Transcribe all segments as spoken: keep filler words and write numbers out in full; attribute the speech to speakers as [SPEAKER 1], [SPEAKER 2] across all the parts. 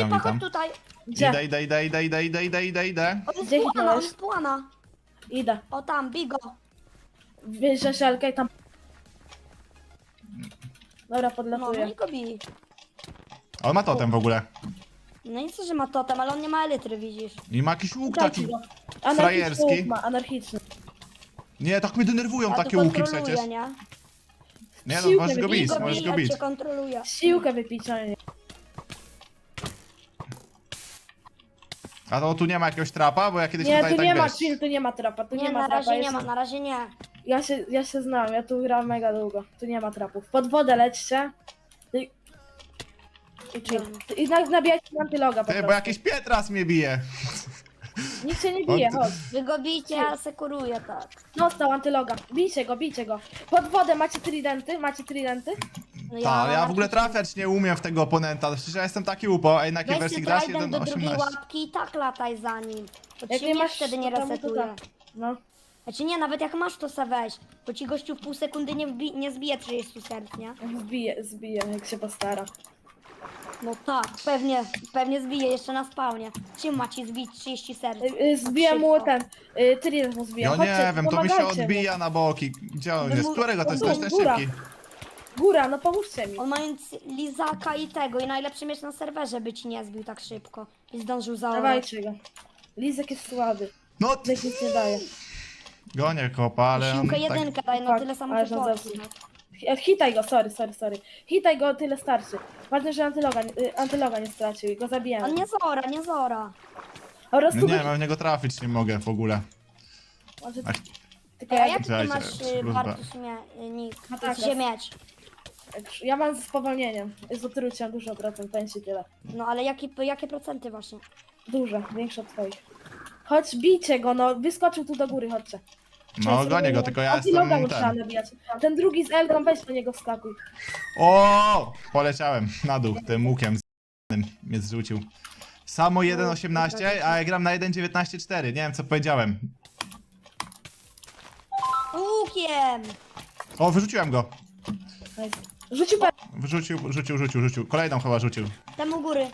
[SPEAKER 1] witam,
[SPEAKER 2] Ekipa, chodź
[SPEAKER 1] witam.
[SPEAKER 2] tutaj.
[SPEAKER 3] Gdzie?
[SPEAKER 1] Idę, idę, idę, idę, idę, idę, idę, idę, idę.
[SPEAKER 2] On jest
[SPEAKER 3] Gdzie
[SPEAKER 2] płana, on
[SPEAKER 3] hitnąłeś?
[SPEAKER 2] jest płana.
[SPEAKER 3] Idę.
[SPEAKER 2] O tam, bigo.
[SPEAKER 3] Bierze szelkę i tam... Dobra,
[SPEAKER 2] No, no
[SPEAKER 3] podlatuję.
[SPEAKER 2] i go bij.
[SPEAKER 1] On ma totem w ogóle.
[SPEAKER 2] No i co, że ma totem, ale on nie ma elitry, widzisz.
[SPEAKER 1] I ma jakiś łuk
[SPEAKER 3] Dajcie
[SPEAKER 1] taki
[SPEAKER 3] go. Anarchiczny
[SPEAKER 1] frajerski.
[SPEAKER 3] łuk ma, anarchiczny.
[SPEAKER 1] Nie, tak mnie denerwują
[SPEAKER 2] Ja
[SPEAKER 1] takie
[SPEAKER 2] tu
[SPEAKER 1] łuki
[SPEAKER 2] kontroluję,
[SPEAKER 1] przecież.
[SPEAKER 2] nie?
[SPEAKER 1] Nie no,
[SPEAKER 3] Siłkę
[SPEAKER 1] możesz go
[SPEAKER 3] wybij,
[SPEAKER 1] bić,
[SPEAKER 2] Bigo
[SPEAKER 1] możesz
[SPEAKER 2] bij,
[SPEAKER 1] go
[SPEAKER 2] ja
[SPEAKER 1] bić.
[SPEAKER 2] cię kontroluję.
[SPEAKER 3] Siłkę wypić, ale nie.
[SPEAKER 1] A to tu nie ma jakiegoś trapa, bo ja kiedyś
[SPEAKER 3] Nie,
[SPEAKER 1] tutaj
[SPEAKER 3] tu
[SPEAKER 1] tak
[SPEAKER 3] nie ma,
[SPEAKER 1] wiesz...
[SPEAKER 3] chill, tu nie ma trapa, tu nie,
[SPEAKER 2] Nie,
[SPEAKER 3] ma
[SPEAKER 2] na
[SPEAKER 3] trapa.
[SPEAKER 2] razie nie
[SPEAKER 3] jest-
[SPEAKER 2] ma, na razie nie.
[SPEAKER 3] Ja się, ja się znam, ja tu gram mega długo. Tu nie ma trapów. Pod wodę lećcie. I, i chill. I na- nabijajcie na antyloga po
[SPEAKER 1] Ty, bo
[SPEAKER 3] prostu.
[SPEAKER 1] jakiś Pietras mnie bije.
[SPEAKER 3] Nikt się nie bije,
[SPEAKER 1] On-
[SPEAKER 3] chodź.
[SPEAKER 2] Wy go bijcie, ja sekuruję, tak.
[SPEAKER 3] Dostał antyloga. Bijcie go, bijcie go. Pod wodę macie tridenty? Macie tridenty?
[SPEAKER 2] No
[SPEAKER 1] Tak, ale ja w ogóle
[SPEAKER 2] anarchicznie.
[SPEAKER 1] trafiać nie umiem w tego oponenta. Przecież ja jestem taki upo, a jednak
[SPEAKER 2] Weź
[SPEAKER 1] wersji
[SPEAKER 2] ty
[SPEAKER 1] grasz
[SPEAKER 2] trident do drugiej
[SPEAKER 1] jeden osiemnaście.
[SPEAKER 2] łapki i tak lataj za nim. Bo
[SPEAKER 3] Jak
[SPEAKER 2] ci
[SPEAKER 3] nie
[SPEAKER 2] nie
[SPEAKER 3] masz
[SPEAKER 2] wtedy nie
[SPEAKER 3] totemu, to
[SPEAKER 2] resetuje.
[SPEAKER 3] tak. No.
[SPEAKER 2] Znaczy nie, nawet jak masz to se weź. Bo ci gościu w pół sekundy nie, wbi nie zbije trzydzieści serc, nie?
[SPEAKER 3] Zbije, zbije, jak się postara.
[SPEAKER 2] No tak, pewnie, pewnie zbije jeszcze na spawnie. Czym ma ci zbić trzydzieści serc?
[SPEAKER 3] Y, y, Zbija
[SPEAKER 2] Tak
[SPEAKER 3] mu
[SPEAKER 2] szybko.
[SPEAKER 3] ten, y, trident mu zbija.
[SPEAKER 1] Ja
[SPEAKER 3] Chodźcie,
[SPEAKER 1] nie wiem, to mi się
[SPEAKER 3] pomagajcie mu.
[SPEAKER 1] odbija na boki. Gdzie on
[SPEAKER 2] No
[SPEAKER 1] jest?
[SPEAKER 2] mu-
[SPEAKER 1] Którego to jest? To jest ten
[SPEAKER 3] góra.
[SPEAKER 1] szybki.
[SPEAKER 3] Góra, no pomóżcie mi.
[SPEAKER 2] On mając lizaka i tego, i najlepszy mieć na serwerze, by ci nie zbił tak szybko. I zdążył zaorać.
[SPEAKER 3] Dawajcie go. Lizek jest słaby.
[SPEAKER 1] No,
[SPEAKER 3] Lizek nic nie daje.
[SPEAKER 1] gonię kopa, ale on
[SPEAKER 2] Siłkę
[SPEAKER 1] tak...
[SPEAKER 2] jedynkę daj, no
[SPEAKER 3] Tak,
[SPEAKER 2] tyle samo
[SPEAKER 3] ale
[SPEAKER 2] co
[SPEAKER 3] on
[SPEAKER 2] Polski.
[SPEAKER 3] zepsuł. Ch- Hitaj go, sorry, sorry, sorry. Hitaj go, tyle starczy. Ważne, że antyloga, y, antyloga nie stracił i go zabijamy.
[SPEAKER 2] On nie zora, nie zora.
[SPEAKER 3] Po prostu
[SPEAKER 1] No
[SPEAKER 3] go...
[SPEAKER 1] nie, mam w niego trafić nie mogę w ogóle.
[SPEAKER 3] Może...
[SPEAKER 1] Ach,
[SPEAKER 3] Tylko
[SPEAKER 2] Ej, a
[SPEAKER 3] ja,
[SPEAKER 2] jak ty
[SPEAKER 1] Czekajcie,
[SPEAKER 2] masz y,
[SPEAKER 1] służba.
[SPEAKER 2] Bartuś mie, y, nick?
[SPEAKER 3] No tak,
[SPEAKER 2] Gdzie
[SPEAKER 3] jest.
[SPEAKER 2] mieć?
[SPEAKER 3] ja mam z spowolnieniem. Z otruciem dużo procent, powiem ci tyle.
[SPEAKER 2] No ale jaki, jakie procenty właśnie?
[SPEAKER 3] Dużo, większe od twoich. Chodź, bijcie go, no. Wyskoczył tu do góry, chodźcie.
[SPEAKER 1] No gonię go, tylko ja
[SPEAKER 3] Antyloga
[SPEAKER 1] jestem
[SPEAKER 3] mu trzeba
[SPEAKER 1] ten.
[SPEAKER 3] nabijać. Ten drugi z Elką, weź do niego wskakuj.
[SPEAKER 1] O! Poleciałem na dół tym łukiem z mnie zrzucił. Samo jeden osiemnaście, a ja gram na jeden dziewiętnaście cztery. Nie wiem co powiedziałem.
[SPEAKER 2] Łukiem!
[SPEAKER 1] O, wyrzuciłem go.
[SPEAKER 3] Nice. Rzucił per...
[SPEAKER 1] Wyrzucił, rzucił, rzucił, rzucił. Kolejną chyba rzucił.
[SPEAKER 2] Tam u góry.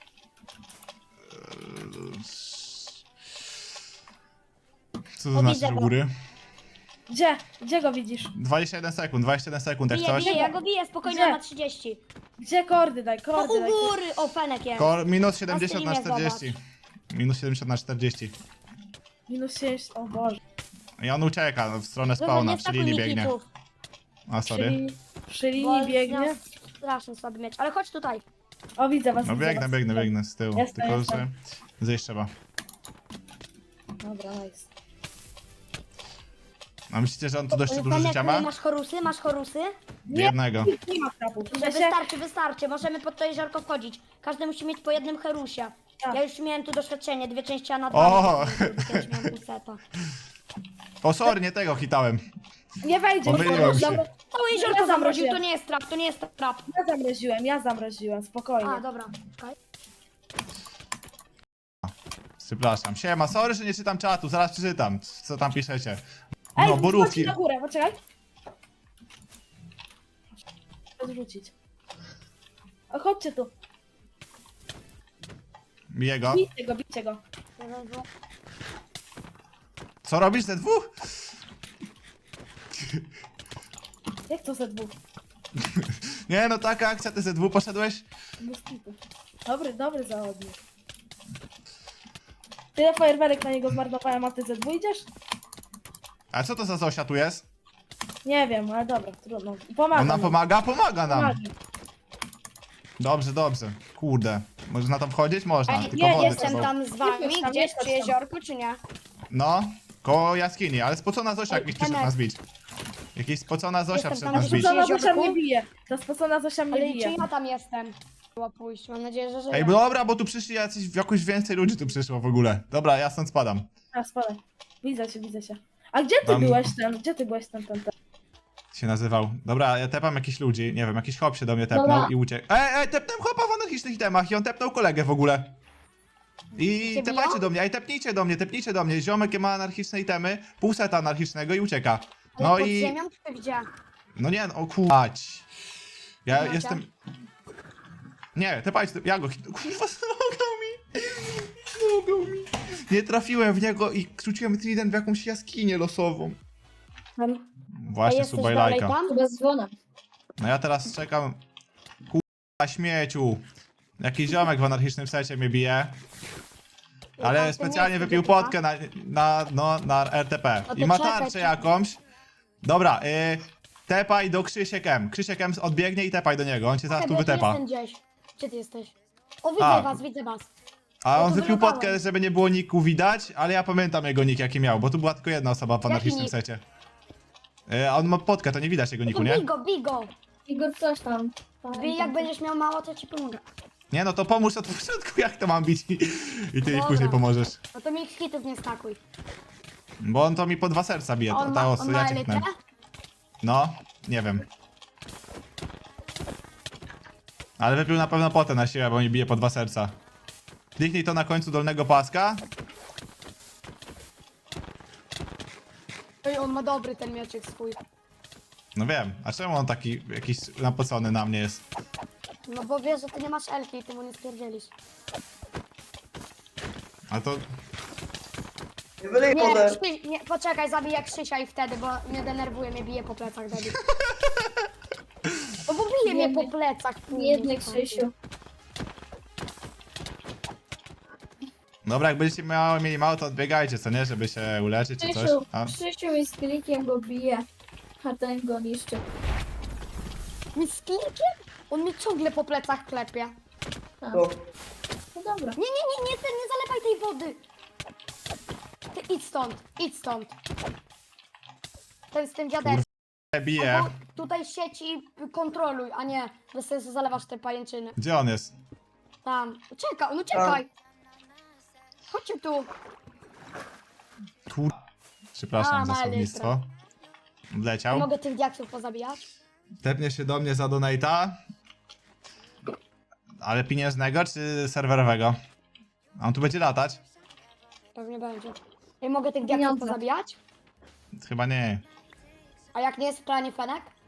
[SPEAKER 1] Co to
[SPEAKER 2] O,
[SPEAKER 1] znaczy
[SPEAKER 2] widzę
[SPEAKER 1] u
[SPEAKER 2] go.
[SPEAKER 1] góry?
[SPEAKER 3] Gdzie? Gdzie go widzisz?
[SPEAKER 1] dwadzieścia jeden sekund, dwadzieścia jeden sekund jak
[SPEAKER 2] Bije,
[SPEAKER 1] coś.
[SPEAKER 2] bije, ja go biję, spokojnie,
[SPEAKER 3] Gdzie?
[SPEAKER 2] on ma trzydzieści.
[SPEAKER 3] Gdzie kordy daj,
[SPEAKER 2] No
[SPEAKER 3] kordy
[SPEAKER 2] u
[SPEAKER 3] daj.
[SPEAKER 2] góry! O, Fenek jest.
[SPEAKER 1] Ko minus siedemdziesiąt na
[SPEAKER 2] streamie
[SPEAKER 1] czterdzieści. Minus siedemdziesiąt na czterdzieści.
[SPEAKER 3] Minus sześć, o Boże.
[SPEAKER 1] I on ucieka w stronę
[SPEAKER 2] Dobra,
[SPEAKER 1] spawna,
[SPEAKER 2] nie
[SPEAKER 1] przy
[SPEAKER 2] stakuj
[SPEAKER 1] linii
[SPEAKER 2] mi
[SPEAKER 1] biegnie.
[SPEAKER 2] hitów,
[SPEAKER 1] A,
[SPEAKER 3] Przy
[SPEAKER 1] sorry.
[SPEAKER 3] linii, przy
[SPEAKER 2] bo
[SPEAKER 3] linii biegnie.
[SPEAKER 2] miał strasznie słaby miecz. Ale chodź tutaj.
[SPEAKER 3] O, widzę was,
[SPEAKER 1] No
[SPEAKER 3] widzę
[SPEAKER 1] biegnę,
[SPEAKER 3] was.
[SPEAKER 1] biegnę, biegnę z tyłu.
[SPEAKER 3] Jestem,
[SPEAKER 1] Tylko,
[SPEAKER 3] jestem.
[SPEAKER 1] że zejść trzeba.
[SPEAKER 3] Dobra, nice.
[SPEAKER 1] A myślicie, że on tu dość dużo
[SPEAKER 2] Fenek,
[SPEAKER 1] życia ma?
[SPEAKER 2] masz chorusy? Masz chorusy?
[SPEAKER 1] Jednego.
[SPEAKER 3] Nie ma trapów. W
[SPEAKER 2] Że
[SPEAKER 3] sensie,
[SPEAKER 2] wystarczy, wystarczy. Możemy pod to jeziorko wchodzić. Każdy musi mieć po jednym herusie.
[SPEAKER 3] Tak.
[SPEAKER 2] Ja już miałem tu doświadczenie, dwie części, a na dwa.
[SPEAKER 1] O!
[SPEAKER 2] Kiedyś miałem półseta.
[SPEAKER 1] O, sorry, nie tego hitałem.
[SPEAKER 3] nie wejdzie.
[SPEAKER 1] Pomyliłem
[SPEAKER 3] nie
[SPEAKER 1] się.
[SPEAKER 3] wejdzie.
[SPEAKER 2] Całe jeziorko
[SPEAKER 3] Ja
[SPEAKER 2] zamroził,
[SPEAKER 3] zamroziłem.
[SPEAKER 2] to nie jest trap, to nie jest trap.
[SPEAKER 3] Ja zamroziłem, ja zamroziłem, spokojnie.
[SPEAKER 2] A, dobra. Czekaj.
[SPEAKER 1] Przepraszam. Siema, sorry, że nie czytam czatu, zaraz przeczytam. Co tam piszecie?
[SPEAKER 3] Ej,
[SPEAKER 1] No,
[SPEAKER 3] chodźcie
[SPEAKER 1] borówki.
[SPEAKER 3] na górę, poczekaj. Odrzucić. O, chodźcie tu.
[SPEAKER 1] Bije go.
[SPEAKER 3] Bijcie go, bijcie go.
[SPEAKER 1] Co robisz ze dwóch?
[SPEAKER 3] Jak to ze dwóch?
[SPEAKER 1] Nie no, taka akcja, ty ze dwóch poszedłeś?
[SPEAKER 3] Moskitu. Dobry, dobry zawodnik. Tyle fajerwerek na niego zmarnowałem, a ty ze dwóch idziesz?
[SPEAKER 1] A co to za Zosia tu jest?
[SPEAKER 3] Nie wiem, ale dobra, trudno. Pomaga
[SPEAKER 1] On nam
[SPEAKER 3] nam.
[SPEAKER 1] pomaga? Pomaga nam.
[SPEAKER 3] Pomaga.
[SPEAKER 1] Dobrze, dobrze. Kurde. Można na to wchodzić? Można,
[SPEAKER 2] Ej,
[SPEAKER 1] tylko
[SPEAKER 3] nie,
[SPEAKER 1] wody
[SPEAKER 2] Jestem
[SPEAKER 1] trzeba.
[SPEAKER 2] tam z wami,
[SPEAKER 3] Jesteś tam,
[SPEAKER 2] gdzieś
[SPEAKER 3] jesteś
[SPEAKER 2] przy
[SPEAKER 3] tam.
[SPEAKER 2] jeziorku, czy nie?
[SPEAKER 1] No, koło jaskini, ale spocona Zosia
[SPEAKER 2] Ej,
[SPEAKER 1] jakiś przyszedł
[SPEAKER 2] Enek.
[SPEAKER 1] nas bić. Jakiś spocona Zosia
[SPEAKER 2] Jestem
[SPEAKER 1] przyszedł
[SPEAKER 2] tam,
[SPEAKER 1] nas
[SPEAKER 2] że
[SPEAKER 1] bić.
[SPEAKER 2] spocona-
[SPEAKER 3] Spocona Zosia
[SPEAKER 2] jeziorku?
[SPEAKER 3] mnie bije. Ta spocona Zosia mnie
[SPEAKER 2] Ale
[SPEAKER 3] bije.
[SPEAKER 2] czy ja tam jestem? Była pójść, mam nadzieję, że żyję.
[SPEAKER 1] Ej, dobra, bo tu przyszli jacyś, jakoś więcej ludzi tu przyszło w ogóle. Dobra, ja stąd spadam.
[SPEAKER 3] A, spadaj. Widzę cię, widzę cię. A gdzie ty
[SPEAKER 1] Tam-
[SPEAKER 3] byłeś ten? Gdzie ty byłeś ten, ten, ten?
[SPEAKER 1] Się nazywał. Dobra, ja tepam jakichś ludzi, nie wiem, jakiś hop się do mnie tepnął
[SPEAKER 2] Dobra.
[SPEAKER 1] i uciekł. Ej, ej, tepnąłem hopa w anarchicznych itemach i on tepnął kolegę w ogóle. I
[SPEAKER 2] Cię
[SPEAKER 1] tepajcie
[SPEAKER 2] biją?
[SPEAKER 1] do mnie, ej, tepnijcie do mnie, tepnijcie do mnie. Ziomek ma anarchiczne itemy, pół seta anarchicznego i ucieka.
[SPEAKER 2] Ale
[SPEAKER 1] No
[SPEAKER 2] pod
[SPEAKER 1] i...
[SPEAKER 2] ziemią czy gdzie?
[SPEAKER 1] No nie, no kurwać. Ja
[SPEAKER 2] Macie?
[SPEAKER 1] jestem... Nie, te patrz, ja go hit... Kurwa, zmogał mi! Zmogał mi! Nie trafiłem w niego i rzuciłem trident w jakąś jaskinię losową.
[SPEAKER 2] Em, a
[SPEAKER 1] Właśnie
[SPEAKER 2] jesteś
[SPEAKER 1] suba i
[SPEAKER 2] dalej
[SPEAKER 1] lajka.
[SPEAKER 2] tam?
[SPEAKER 3] Chyba z dzwonem.
[SPEAKER 1] No ja teraz czekam... Kurwa, śmieciu! Jakiś ziomek w anarchicznym secie mnie bije. Ale
[SPEAKER 2] tam w tym
[SPEAKER 1] specjalnie
[SPEAKER 2] miejscu,
[SPEAKER 1] wypił
[SPEAKER 2] gdzie ty
[SPEAKER 1] potkę na, na, no, na R T P.
[SPEAKER 2] No to
[SPEAKER 1] I ma
[SPEAKER 2] czekaj,
[SPEAKER 1] tarczę
[SPEAKER 2] czekaj.
[SPEAKER 1] jakąś. Dobra, y, tepaj do Krzysiek M. Krzysiek M odbiegnie i tepaj do niego, on cię zaraz tu
[SPEAKER 2] Czekaj, bo
[SPEAKER 1] wytepa.
[SPEAKER 2] Jestem gdzieś. Gdzie ty jesteś? O, widzę
[SPEAKER 1] A.
[SPEAKER 2] was, widzę was.
[SPEAKER 1] A
[SPEAKER 2] Ja
[SPEAKER 1] on
[SPEAKER 2] tu
[SPEAKER 1] wypił
[SPEAKER 2] wylądałem.
[SPEAKER 1] potkę, żeby nie było niku widać, ale ja pamiętam jego nick jaki miał, bo tu była tylko jedna osoba w
[SPEAKER 2] Jaki
[SPEAKER 1] anarchicznym
[SPEAKER 2] nick?
[SPEAKER 1] secie. Y, a on ma potkę, to nie widać jego
[SPEAKER 2] No
[SPEAKER 1] niku,
[SPEAKER 2] to
[SPEAKER 1] nie?
[SPEAKER 2] bigo, bigo.
[SPEAKER 3] Igor coś tam.
[SPEAKER 2] Bij, jak będziesz miał mało, to ci pomogę.
[SPEAKER 1] Nie no to pomóż od początku jak to mam bić i, i ty mi
[SPEAKER 2] Dobra.
[SPEAKER 1] później pomożesz.
[SPEAKER 2] No to mi hitów nie stakuj.
[SPEAKER 1] Bo on to mi po dwa serca bije,
[SPEAKER 2] A
[SPEAKER 1] to,
[SPEAKER 2] on
[SPEAKER 1] ta
[SPEAKER 2] ma,
[SPEAKER 1] osoba,
[SPEAKER 2] on ma
[SPEAKER 1] ja cię
[SPEAKER 2] elitę?
[SPEAKER 1] chnę. No, nie wiem. Ale wypił na pewno potę na siłę, bo mi bije po dwa serca. Kliknij to na końcu dolnego paska.
[SPEAKER 2] Ej, on ma dobry ten mieczek swój.
[SPEAKER 1] No wiem, a czemu on taki jakiś napocony na mnie jest?
[SPEAKER 2] No bo wiesz, że ty nie masz elki i ty mu nie stwierdzielisz.
[SPEAKER 1] A to...
[SPEAKER 4] Nie wylej
[SPEAKER 2] Nie,
[SPEAKER 4] wodę.
[SPEAKER 2] Krzy, nie, poczekaj, zabiję Krzysia i wtedy, bo mnie denerwuje, mnie bije po plecach, debil. No bo bije mnie po plecach.
[SPEAKER 3] Biedny Krzysiu.
[SPEAKER 1] Dobra, jak będziecie miało, mieli mało, to odbiegajcie, co nie? Żeby się uleczyć czy coś.
[SPEAKER 3] Krzysiu,
[SPEAKER 1] A?
[SPEAKER 3] Krzysiu mi z klikiem go bije. A ten go niszczy.
[SPEAKER 2] Mi z klikiem? On mi ciągle po plecach klepie.
[SPEAKER 3] A,
[SPEAKER 4] No.
[SPEAKER 3] no dobra.
[SPEAKER 2] Nie, nie, nie, nie, ty nie zalewaj tej wody. Ty idź stąd, idź stąd. Ten z tym dziadem.
[SPEAKER 1] Bije.
[SPEAKER 2] Albo tutaj sieci kontroluj, a nie bez sensu zalewasz te pajęczyny.
[SPEAKER 1] Gdzie on jest?
[SPEAKER 2] Tam. Czekaj, no czekaj. Chodźcie tu.
[SPEAKER 1] Kur... Przepraszam
[SPEAKER 2] A,
[SPEAKER 1] za
[SPEAKER 2] ma
[SPEAKER 1] słownictwo. Wleciał.
[SPEAKER 2] Mogę tych diaksów pozabijać?
[SPEAKER 1] Tepnie się do mnie za donata. Ale pieniężnego czy serwerowego? A on tu będzie latać?
[SPEAKER 2] Pewnie będzie. Ja mogę tych diaksów
[SPEAKER 3] Pieniądze.
[SPEAKER 2] pozabijać?
[SPEAKER 1] Chyba nie.
[SPEAKER 2] A jak nie jest w planie Fenek?